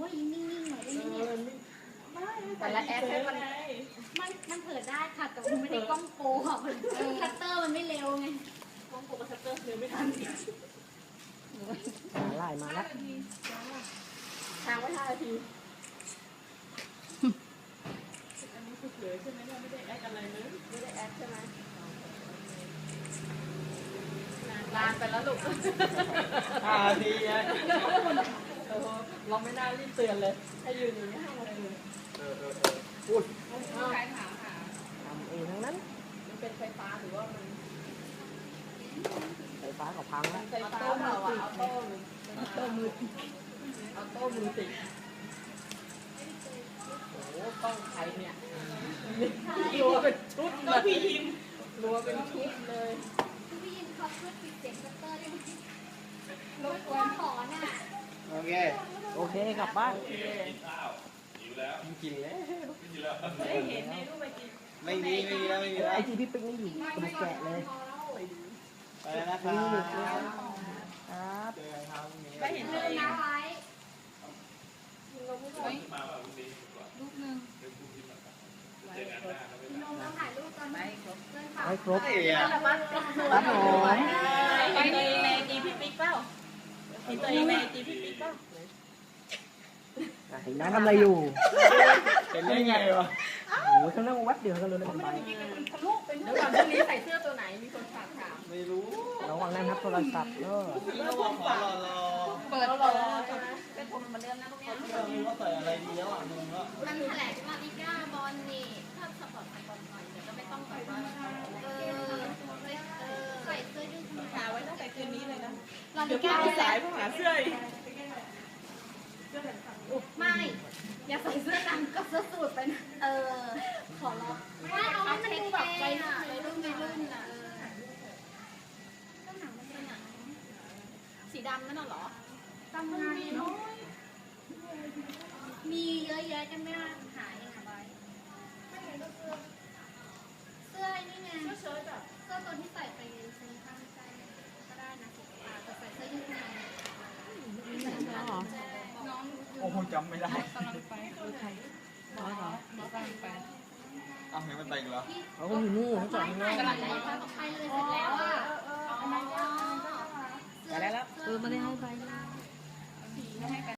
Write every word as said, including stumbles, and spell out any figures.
ยนิ่งๆหน่อยได้ไหมเนี่ยแต่ละแอปให้มันมันมันเปิดได้ค่ะแต่มันไม่ได้กล้องโปรอ่ะคัตเตอร์มันไม่เร็วไงกล้องโปรกับคัตเตอร์เร็วไม่ทันไล่มาแล้วทางไว้ห้านาทีอันนี้คือเผยใช่ไหมเนี่ยไม่ได้แอคอะไรเลยไม่ได้แอปใช่ไหมนานไปแล้วลูกห้านาทีไงเออเราไม่น่ารีบเตือนเลยให้ยืนอยู่นี่ห้านาทีเออเออเออพูดใครถามหาทำเองทั้งนั้นมันเป็นไฟฟ้าหรือว่ามันไฟฟ้ากับพังแล้วไฟฟ้าเปล่าอ่ะออโต้หรือออโต้มือออโต้มือติดโอ้โหต้องใครเนี่ยรัวเป็นชุดเลยพี่ยิมรัวเป็นชุดเลยคือพี่ยินเขาช่วยปิดเสียงคัตเตอร์ได้ไหมรบกวนขอน่ะโอเคโอเคกลับบ้านกินแล้วไม่เห็นในรูปไปกินไม่มีไม่มีแล้วไม่มีแล้วไอจีพี่ปิ๊กนี่อยู่กระดูกแกะเลยไปแล้วนะครันี่อยู่บครับเจอกันครับพรุ่งนี้ไม่เห็นเอตัวอเองนะไว้รูปหนึ่งลงแล้วถ่ายรูปกันไหมเพื่อนฝากให้ครบเฮ้ยอ่ะแต่ว่าตัวครับผมไปตัวเองในจีพี่ปิ๊กเปล่ามีตัวเองในจีพี่ปิ๊กเปล่าเห็นน้าทำอะไรอยู่เป็นได้ไงวะโอ้โหเขานั่งแวบเดียวกันเลยนะไปเดี๋ยวก่อนพรุ่งนี้ใส่เสื้อตัวไหนมีคนฝากถามไม่รู้ระวังนั่นครับโทรศัพท์เนอะพี่ก็บอกขอรอรอเปิดรอใช่ไหมเป็นคนเหมือนเดิมนะพวกเนี้ยไม่รู้ว่าใส่อะไรดีแล้วอ่ะงงแล้วมันแถลงว่าลิก้าบอลนี่ถ้าสปอร์ตสปอร์ตหน่อยเดี๋ยวก็ไม่ต้องแบบว่าเออใส่เสื้อยืดธรรมหาดาไว้ตั้งแต่คืนนี้เลยนะลาเดี๋ลิยวพี่ก้าเอาสายมาหาเสื้ออีกไม่ อย่าใส่เสื้อดำกับเสื้อสูทไปนะเออ ขอร้องไม่เอาให้มันดูแบบวัยรุ่นวัยรุ่นวัยรุ่นอ่ะเออก็หนังมันเป็นหนังสีดำนั่นน่ะเหรอทำงานเนาะมีเยอะแยะกันไม่ได้หาเองอะใบไม่งั้นก็เสื้อเสื้อนี่ไงเสื้อเชิ้ตแบบเสื้อตัวที่ใส่ไปเซ็นทรัลใส่ก็ได้นะสีฟ้าแต่ใส่เสื้อยืดมาน้องโอ้โหจำไม่ได้กำลังไปคือใครหมอเหรอหมอกำลังไปเอาเห็นมันแต่งเหรอเขาก็อยู่นี่เขาจอดข้างนอกกำลังจะไปเลยเสร็จแล้วอ่ะอ๋อแต่ได้แล้วเออไม่ได้ให้ใบสีไม่ให้กัน